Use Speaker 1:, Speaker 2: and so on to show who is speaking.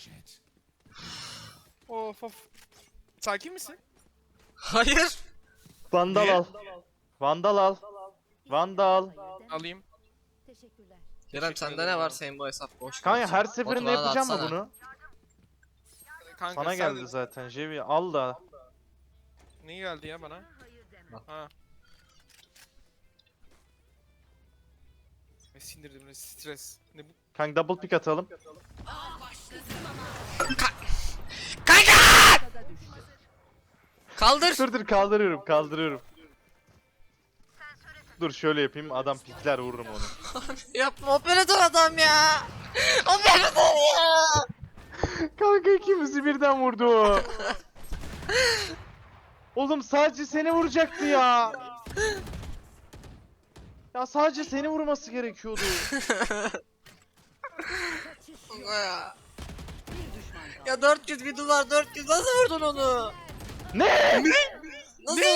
Speaker 1: Of of. Sakin misin?
Speaker 2: Hayır.
Speaker 3: Vandal
Speaker 1: Niye?
Speaker 3: al. Vandal al. Vandal.
Speaker 1: Alayım.
Speaker 4: Teşekkürler.
Speaker 2: Kerem sende ne var, senin bu hesap boş.
Speaker 3: Kanka her
Speaker 2: Batu
Speaker 3: seferinde
Speaker 2: bana da
Speaker 3: yapacağım mı
Speaker 2: atsana.
Speaker 3: bunu?
Speaker 1: Kanka
Speaker 3: Sana
Speaker 1: sen
Speaker 3: geldi zaten Jevi, al da.
Speaker 1: Ne geldi ya bana? Ha. Ne sindirdim ne stres. Ne bu?
Speaker 3: Kanka double pick atalım.
Speaker 2: Kaldır.
Speaker 3: Dur kaldırıyorum. Dur şöyle yapayım, adam pikler, vururum onu.
Speaker 2: Yapma, operatör adam ya. Operatör ya.
Speaker 3: Kanka ikimizi birden vurdu o. Oğlum sadece seni vuracaktı ya. Ya sadece seni vurması gerekiyordu.
Speaker 2: Ya. Ya 400 bir dolar, 400 nasıl vurdun onu?
Speaker 3: Ne?
Speaker 2: Nasıl